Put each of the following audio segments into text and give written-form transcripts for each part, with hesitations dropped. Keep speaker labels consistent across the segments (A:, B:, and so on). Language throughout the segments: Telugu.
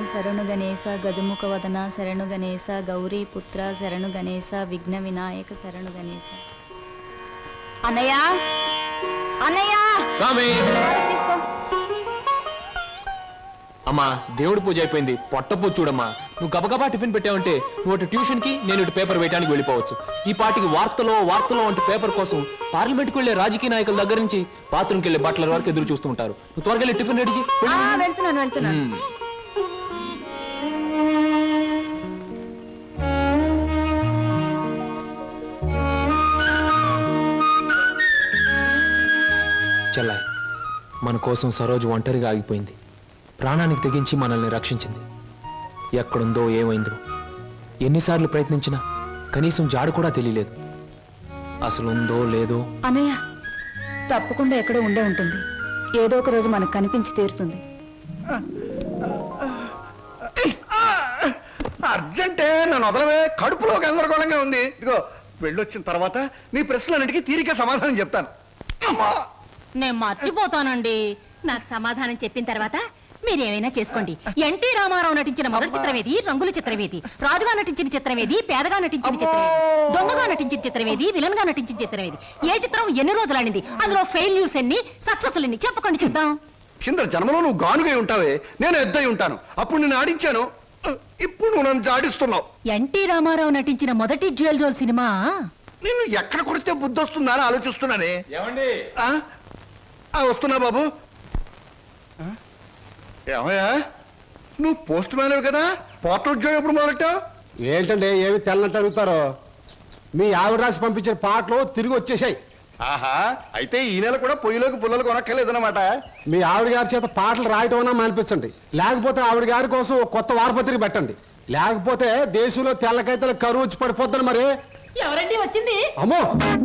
A: శరణు గణేశ గజముఖ వదన శరణు గణేశ గౌరీ పుత్ర శరణు గణేశ విఘ్న వినాయక శరణు గణేశ. అన్నయ్య అన్నయ్య తీసుకో.
B: అమ్మా దేవుడి పూజ అయిపోయింది, పొట్టపూజ చూడమ్మా. నువ్వు గబగబా టిఫిన్ పెట్టావంటే నువ్వు అటు ట్యూషన్ కి, నేను ఇటు పేపర్ వేయడానికి వెళ్ళిపోవచ్చు. ఈ పాటికి వార్తలో వంటి పేపర్ కోసం పార్లమెంట్కి వెళ్లే రాజకీయ నాయకుల దగ్గర నుంచి బాత్రూమ్కి వెళ్లే బట్టల వరకు ఎదురు చూస్తూ ఉంటారు. నువ్వు త్వరగా వెళ్ళి టిఫిన్ రెడీ
A: వెళ్తున్నాను.
B: చెల్లాయి, మన కోసం సరోజు ఒంటరిగా ఆగిపోయింది. ప్రాణానికి తెగించి మనల్ని రక్షించింది. ఎక్కడుందో ఏమైందో ఎన్నిసార్లు ప్రయత్నించినా కనీసం జాడు కూడా తెలియలేదు. అసలు ఉందో లేదో.
A: అన్నయ్య తప్పకుండా ఎక్కడో ఉండే ఉంటుంది. ఏదో ఒక రోజు మనకు కనిపించి తీరుతుంది.
C: అర్జెంటే నన్ను వదలవే, కడుపులో గందరగోళంగా ఉంది. ఇదిగో వెళ్ళొచ్చిన తర్వాత నీ ప్రశ్నలన్నిటికీ తీరిక సమాధానం చెప్తాను. అమ్మా
D: నేను మర్చిపోతానండి. నాకు సమాధానం చెప్పిన తర్వాత మీరేమైనా చేసుకోండి. ఎన్టీ రామారావు నటించిన మొదటి చిత్రమేది, రంగుల చిత్రమేది, రాజుగా నటించిన చిత్రమేది, పేదగా నటించిన చిత్రమేది, దొంగగా నటించిన చిత్రమేది, విలన్ గా నటించిన చిత్రమేది, ఏ చిత్రం ఎన్ని రోజులు ఆడింది, అందులో ఫెయిల్యూర్స్ ఎన్ని, సక్సెస్ ఎన్ని చెప్పకండి చూద్దాం.
C: కింద జన్మలో నువ్వు గానుగై ఉంటావే, నేను ఎద్దై ఉంటాను. అప్పుడు నేను ఆడించాను, ఇప్పుడు నువ్వు నన్ను జాడిస్తున్నావు.
D: ఎన్టీ రామారావు నటించిన మొదటి జ్యువెల్ జోల్ సినిమా
C: నేను ఎక్కడ కొడితే బుద్ధి వస్తుందా అని ఆలోచిస్తున్నానే. వస్తున్నా బాబు. ఏమయ్యా, నువ్వు పోస్ట్ మ్యాన్ కదా, పోర్టల్ ఉద్యోగం ఎప్పుడు మొదలెట్టావు?
E: ఏంటండి ఏమి తెల్లంటే అడుగుతారో? మీ ఆవిడ రాసి పంపించిన పాటలు తిరిగి వచ్చేసాయి.
C: ఆహా, అయితే ఈ నెల కూడా పొయ్యిలోకి పుల్లలు కొనక్కర్లేదన్నమాట.
E: మీ ఆవిడ గారి చేత పాటలు రాయటం అన్నా మానిపించండి, లేకపోతే ఆవిడ గారి కోసం కొత్త వారపత్రిక పెట్టండి. లేకపోతే దేశంలో తెల్లకైతే కరువు వచ్చి పడిపోద్దని. మరి
D: ఎవరండి వచ్చింది?
E: అమ్మో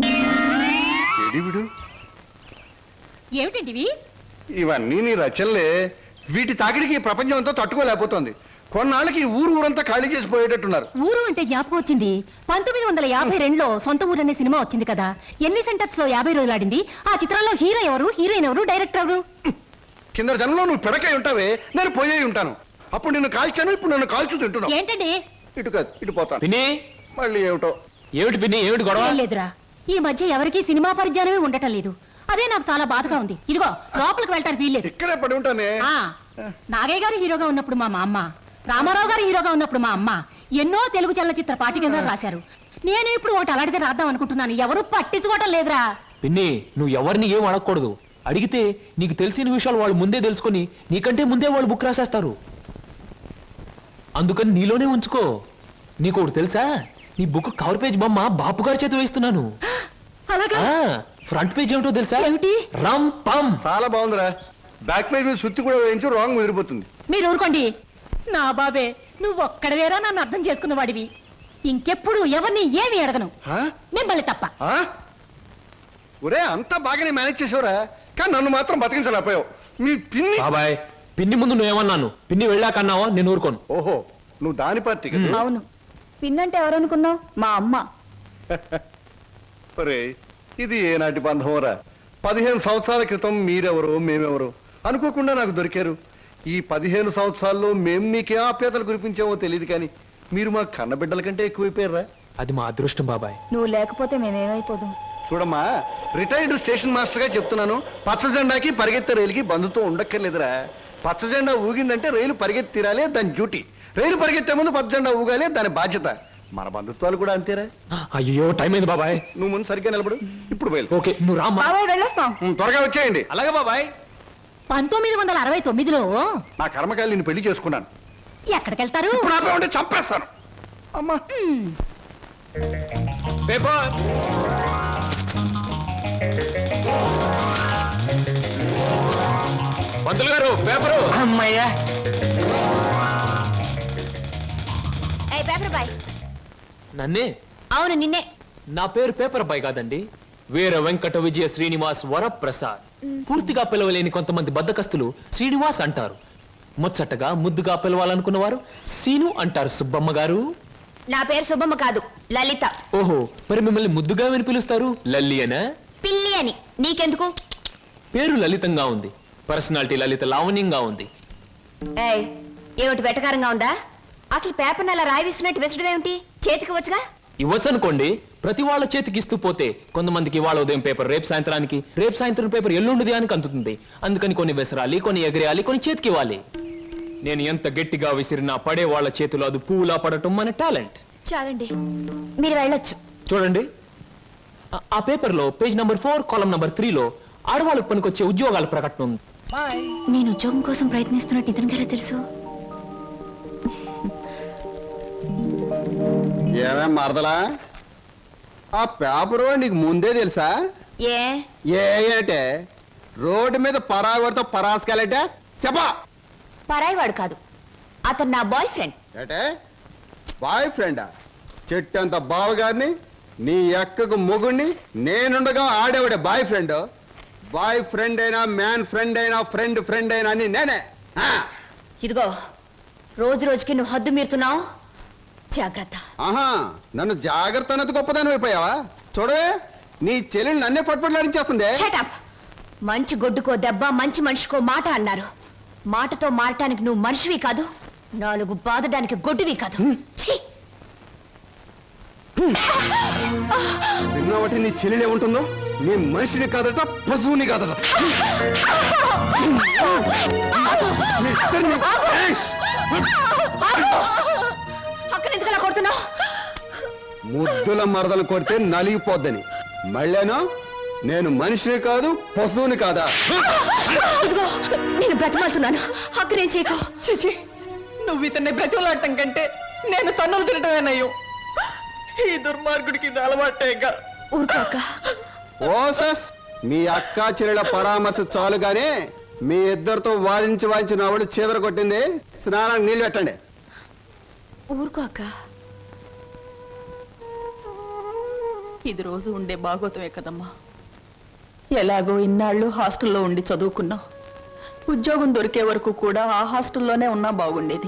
D: ఏమిటండి
C: ఇవన్నీ నీ రచనలే. వీటి తాకిడికి ప్రపంచం అంతా తట్టుకోలేకపోతుంది. కొన్నాళ్ళకి ఊరంతా ఖాళీ చేసి పోయేటట్టున్నారు.
D: ఊరు అంటే జ్ఞాపకం వచ్చింది. 1952లో సొంత ఊరు అనే సినిమా వచ్చింది కదా. ఎన్ని సెంటర్స్ లో 50 రోజులు ఆడింది. ఆ చిత్రంలో హీరో ఎవరు, హీరోయిన్ ఎవరు, డైరెక్టర్ ఎవరు?
C: కింద జనంలో నువ్వు పిడకై ఉంటావే, నేను పోయే ఉంటాను. అప్పుడు నిన్ను కాల్చాను, ఇప్పుడు నన్ను కాల్చు తింటున్నావు.
D: ఏంటండి?
C: ఇటు కాదు, ఇటు పోతాను.
B: పిన్ని,
C: మళ్ళీ ఏమిటో.
B: ఏమిటి పిన్ని, ఏమిటి గొడవ?
D: లేదురా, ఈ మధ్య ఎవరికి సినిమా పరిజ్ఞానమే ఉండటం లేదు. అదే నాకు చాలా బాధగా ఉంది. ఇదిగో లోపలికి వెళ్ళటానికి వీల్లేదు.
C: ఇక్కడే పడి ఉంటానే.
D: నాగయ్య గారు హీరోగా ఉన్నప్పుడు మా అమ్మ, రామారావు గారు హీరోగా ఉన్నప్పుడు మా అమ్మ ఎన్నో తెలుగు చలనచిత్ర పాఠ్యగ్రంథాలు రాశారు. నేను ఇప్పుడు ఒకటి అలాంటిదే రాద్దాం అనుకుంటున్నాను. ఎవరు పట్టించుకోవటం లేదురా.
B: పిన్ని, నువ్వు ఎవరిని ఏం అడగకూడదు. అడిగితే నీకు తెలిసిన విషయాలు వాళ్ళు ముందే తెలుసుకొని నీకంటే ముందే వాళ్ళు బుక్ రాసేస్తారు. అందుకని నీలోనే ఉంచుకో. నీకు ఒకటి తెలుసా, నీ బుక్ కవర్ పేజ్ బొమ్మ బాపు గారి చేత వేస్తున్నాను. ఫ్రంట్ పేజ్ ఏమిటో తెలుసా?
D: ఏమిటి?
B: రమ్ పమ్.
C: చాలా బాగుందిరా. బ్యాక్ పేజ్ మీద సుత్తి కూడా వేయించు, రాంగ్ ముదిరిపోతుంది.
D: మీరు ఊరుకోండి. నా బాబే, నువ్వు ఒక్కడవేరా నన్ను అర్థం చేసుకున్న వాడివి. ఇంకెప్పుడు ఎవరిని ఏమి అడగను, మిమ్మల్ని తప్ప.
C: ఒరే, అంతా బాగానే మేనేజ్ చేసావురా, కానీ నన్ను మాత్రం బతికించలేకపోయావు. మీ పిన్ని.
B: బాబాయ్, పిన్ని ముందు నువ్వేమన్నాను, పిన్ని వెళ్ళాకన్నావా? నేను ఊరుకోను.
C: ఓహో, నువ్వు దాని పార్టీ.
A: అవును, పిన్నంటే ఎవరనుకున్నావు? మా అమ్మ.
C: ఒరే, ఇది ఏనాటి బంధమోరా? 15 సంవత్సరాల క్రితం మీరెవరో మేమెవరో అనుకోకుండా నాకు దొరికారు. ఈ 15 సంవత్సరాల్లో మేము మీకే ఆప్యాతలు కురిపించామో తెలియదు, కానీ మీరు మా కన్నబిడ్డల కంటే ఎక్కువైపోయారా?
B: అది మా అదృష్టం బాబాయ్.
A: నువ్వు లేకపోతే మేమేమైపోదు.
C: చూడమ్మా, రిటైర్డ్ స్టేషన్ మాస్టర్ గా చెప్తున్నాను, పచ్చ జెండాకి పరిగెత్తే రైలుకి బంధుతో ఉండక్కర్లేదురా. పచ్చ జెండా ఊగిందంటే రైలు పరిగెత్తి తీరాలి, దాని డ్యూటీ. రైలు పరిగెత్తే ముందు పచ్చ జెండా ఊగాలి, దాని బాధ్యత. మన బంధుత్వాలు కూడా అంతేరా.
B: అయ్యో, టైం అయింది బాబాయ్.
C: నువ్వు ముందు సరిగ్గా నిలబడు, ఇప్పుడు బయలు.
B: ఓకే, నువ్వు రామ్మా.
C: త్వరగా వచ్చేయండి.
B: అలాగే బాబాయ్.
D: 1969లో
C: నా కర్మకాయలు నేను పెళ్లి చేసుకున్నాను.
D: ఎక్కడికెళ్తారు?
C: ఇప్పుడు ఆపే ఉంటే చంపేస్తాను. అమ్మా,
B: పేపర్. పంతులు గారు, పేపరు.
F: అమ్మయ్యా.
B: నన్నే?
D: అవును, నిన్నే.
B: నా పేరు పేపర్ బాయ్ కాదండి, వీర వెంకట విజయ శ్రీనివాస్ వరప్రసాద్. పూర్తిగా పిలవలేని కొంతమంది బద్దకస్తులు శ్రీనివాస్ అంటారు. ముచ్చటగా ముద్దుగా పిలవాలనుకున్నవారు సీను అంటారు. సుబ్బమ్మ గారు.
D: నా పేరు సుబ్బమ్మ కాదు, లలిత.
B: ఓహో, మరి మిమ్మల్ని ముద్దుగా విని పిలుస్తారు లల్లి అనా?
D: పిల్లి అని. నీకెందుకు?
B: పేరు లలితంగా ఉంది, పర్సనాలిటీ లలిత లావణ్యంగా ఉంది.
A: ఏమిటి వెటకారంగా ఉందా? అసలు పేపర్ని అలా రాయిస్తున్నట్టు విసడం ఏమిటి? చేతికి వచ్చుగా.
B: ఇవ్వచ్చు అనుకోండి, ప్రతి వాళ్ళ చేతికి ఇస్తూ పోతే కొంతమందికి ఇవాళ ఉదయం పేపర్ రేపు సాయంత్రానికి, రేపు సాయంత్రం పేపర్ ఎల్లుండి దానికి అందుతుంది. అందుకని కొన్ని విసరాలి, కొన్ని ఎగరేయాలి, కొన్ని చేతికి ఇవ్వాలి. నేను ఎంత గట్టిగా విసిరినా పడే వాళ్ళ చేతిలో అది పువ్వులా పడటం మన టాలెంట్.
A: చాలండి, మీరు వెళ్ళొచ్చు.
B: చూడండి, ఆ పేపర్లో పేజ్ నంబర్ 4 కాలం నంబర్ 3లో ఆడవాళ్ళకు పనికొచ్చే ఉద్యోగాల ప్రకటన ఉంది.
A: నేను ఉద్యోగం కోసం ప్రయత్నిస్తున్నట్టు ఇతనికి ఎలా తెలుసు?
E: ఏమే మరదలా, ఆ పేపరు నీకు ముందే తెలుసా?
A: ఏ
E: ఏంటే రోడ్డు మీద పరాగడితో పరాసుకెళ్ళటే చెప్పా.
A: పరాయివాడు కాదు, అతను నా బాయ్ ఫ్రెండ్.
E: ఏటే బాయ్ ఫ్రెండా? చెట్టంత బావగారిని, నీ ఎక్కకు మొగుణ్ణి, నేనుండగా ఆడేవాడే బాయ్ ఫ్రెండ్. బాయ్ ఫ్రెండ్ అయినా, మ్యాన్ ఫ్రెండ్ అయినా, ఫ్రెండ్ ఫ్రెండ్ అయినా అని నేనే.
A: ఇదిగో, రోజు రోజుకి నువ్వు హద్దు మీరుతున్నావు, జాగ్రత్త.
E: ఆహా, నన్ను జాగ్రత్త అన్నది గొప్పదాని అయిపోయావా? చూడవే, నీ చెల్లెలు నన్నే పట్టుపట్లాడించేస్తుంది.
A: Shut up. మంచి గొడ్డుకో దెబ్బ, మంచి మనిషికో మాట అన్నారు. మాటతో మారటానికి నువ్వు మనిషివి కాదు, 4 బాదడానికి గొడ్డువి కాదు. ఛీ!
E: విన్నావటి నీ చెల్లెలు ఏముంటుందో? నీ మనిషిని కాదట, పశువుని కాదట. మీ ఇద్దరిని- ఏయ్!
A: అక్కడ ఎందుకు అలా కొడుతున్నావు?
E: ముద్దుల మరదలు కొడితే నలిగిపోద్దని. మళ్ళేనో నేను మనిషిని కాదు, పశువుని కాదా?
A: ఇదిగో, నేను బ్రతిమాలుతున్నాను, అక్కడేం చేయకు.
F: చిచి, నువ్వు ఇతన్ని బ్రతిమలాడటం కంటే నేను తన్నులు తినటమేనయ్యో. ఈ దుర్మార్గుడికి ఇది అలవాటేగా.
A: ఊరుకో అక్క.
E: ఓసస్, మీ అక్క చెల్లెల పరామర్శ చాలుగానే మీ ఇద్దరితో వాదించి నా వాళ్ళు చీదర కొట్టింది. స్నానానికి నీళ్ళు పెట్టండి.
A: ఊరుకో అక్క.
F: ఇది రోజు ఉండే బాగోతమే కదమ్మా. ఎలాగో ఇన్నాళ్ళు హాస్టల్లో ఉండి చదువుకున్నావు. ఉద్యోగం దొరికే వరకు కూడా ఆ హాస్టల్లోనే ఉన్నా బాగుండేది.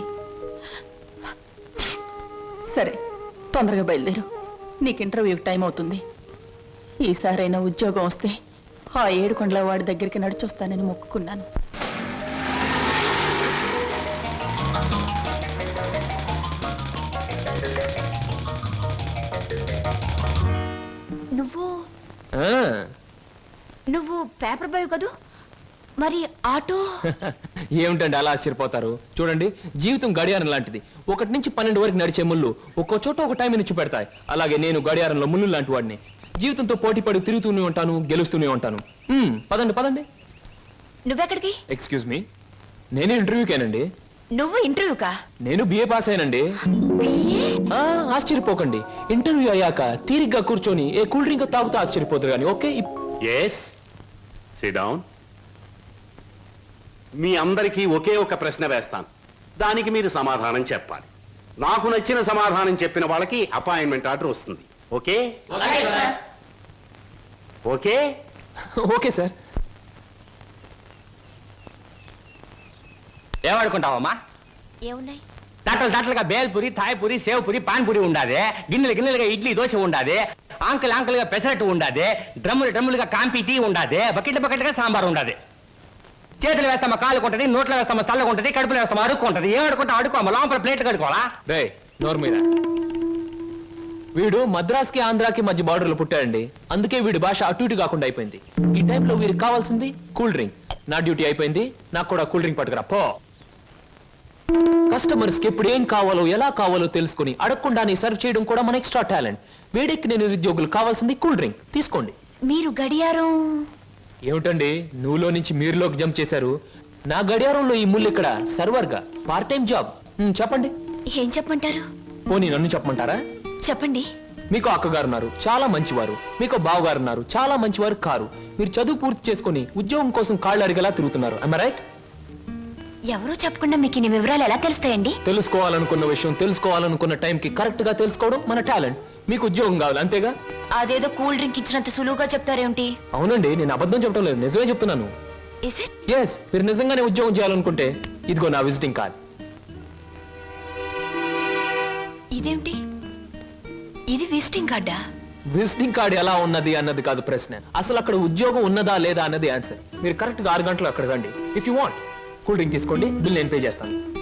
F: సరే, తొందరగా బయలుదేరు, నీకు ఇంటర్వ్యూకి టైం అవుతుంది. ఈసారైనా ఉద్యోగం వస్తే ఆ 7 కొండల వాడి దగ్గరికి నడిచొస్తానని మొక్కుకున్నాను.
B: ఆ,
A: నువ్వు పేపర్ బాయ్ కదూ, మరి ఆటో?
B: ఏమిటండి అలా ఆశ్చర్యపోతారు? చూడండి, జీవితం గడియారం లాంటిది. 1 నుంచి 12 వరకు నడిచే ముళ్ళు ఒక్కో చోట ఒక టైం నుంచి పెడతాయి. అలాగే నేను గడియారంలో ముళ్ళు లాంటి వాడిని. జీవితంతో పోటీ పడి తిరుగుతూనే ఉంటాను, గెలుస్తూనే ఉంటాను. పదండి పదండి.
A: నువ్వెక్కడికి?
B: ఎక్స్క్యూజ్ మీ, నేను ఇంటర్వ్యూకేనండి.
A: నువ్వు ఇంటర్వ్యూకా?
B: నేను బిఏ పాస్ అయినండి. ఆశ్చర్యపోకండి, ఇంటర్వ్యూ అయ్యాక తీరిగ్గా కూర్చొని ఏ కూల్ డ్రింక్ తాగుతూ ఆశ్చర్యపోతారు కానీ. Okay,
G: yes, sit down. మీ అందరికీ ఒకే ఒక ప్రశ్న వేస్తాను, దానికి మీరు సమాధానం చెప్పాలి. నాకు నచ్చిన సమాధానం చెప్పిన వాళ్ళకి అపాయింట్మెంట్ ఆర్డర్ వస్తుంది. ఓకే? Okay
B: okay sir.
H: ఏమనుకుంటావమ్మా?
A: ఏమున్నాయి?
H: తట్టలుగా బేల్పూరి, థాయ్పూరి, సేవ్పూరి, పాన్పూరి ఉండాది. గిన్నెలుగా ఇడ్లీ దోశ ఉండాది. ఆంకలుగా పెసరట్టు ఉండాది. డ్రమ్ములుగా కాంపి టీ ఉండాది. బకెట్లుగా సాంబార్ ఉండాది. చేతులు వేస్తామా కాలు కొంటది, నోట్లో వేస్తామా చల్లగా ఉంటది, కడుపులో వేస్తామా అడుక్కుంటది. ఏమడుకుంటా అడుకోమా, లోపల ప్లేట్ కడుకోవాలా?
B: రే నోరు మీద. వీడు మద్రాస్కి ఆంధ్రాకి మధ్య బార్డర్లో పుట్టాడండి. అందుకే వీడి భాష అటు ఇటు కాకుండా అయిపోయింది. ఈ టైంలో వీరికి కావాల్సింది కూల్ డ్రింక్. నా డ్యూటీ అయిపోయింది, నాకు కూడా కూల్ డ్రింక్ పట్టుకురా పో. కస్టమర్స్ కి ఎప్పుడు ఏం కావాలో ఎలా కావాలో తెలుసుకుని అడగకుండానే సర్వ్ చేయడం కూడా మన ఎక్స్ట్రా టాలెంట్. వేడెక్కి నేను నిరుద్యోగులు కావాల్సింది కూల్ డ్రింక్. తీసుకోండి.
A: మీరు గడియారం?
B: ఏమిటండి నువ్వులో నుంచి మీరులోకి జంప్ చేశారు? నా గడియారంలో ఈ ముళ్ళు ఇక్కడ సర్వర్ గా పార్ట్ టైం జాబ్. చెప్పండి.
A: ఏం చెప్పమంటారు?
B: పోనీ నన్ను చెప్పమంటారా?
A: చెప్పండి.
B: మీకు అక్కగారు ఉన్నారు, చాలా మంచివారు. మీకు బావగారు ఉన్నారు, చాలా మంచివారు కారు. మీరు చదువు పూర్తి చేసుకుని ఉద్యోగం కోసం కాళ్ళు అడిగేలా తిరుగుతున్నారు. am I right?
A: ఎవరో చెప్పకుండా మీకు ఇన్ని వివరాలు ఎలా తెలుస్తాయండి?
B: తెలుసుకోవాలనుకున్న విషయం తెలుసుకోవాలనుకున్న టైంకి కరెక్ట్ గా తెలుసుకోవడం మన టాలెంట్. మీకు ఉద్యోగం కావాలి అంతేగా?
A: అదేదో కూల్ డ్రింక్ ఇచ్చినంత సులువుగా చెప్తారేమిటి?
B: అవునండి, నేను అబద్ధం చెప్పడం లేదు, నిజమే చెప్తున్నాను.
A: Is it?
B: ఎస్, మీరు నిజంగానే ఉద్యోగం చేయాలనుకుంటే ఇదిగో నా విజిటింగ్ కార్డ్.
A: ఇదేమిటి? ఇది విజిటింగ్ కార్డా?
B: విజిటింగ్ కార్డ్ ఎలా ఉన్నది అన్నది కాదు ప్రశ్న, అసలు అక్కడ ఉద్యోగం ఉన్నదా లేదా అన్నది ఆన్సర్. మీరు కరెక్ట్ గా 6 గంటలు అక్కడ రండి. If you want cool drink తీసుకోండి, బిల్ నేను పే చేస్తాను.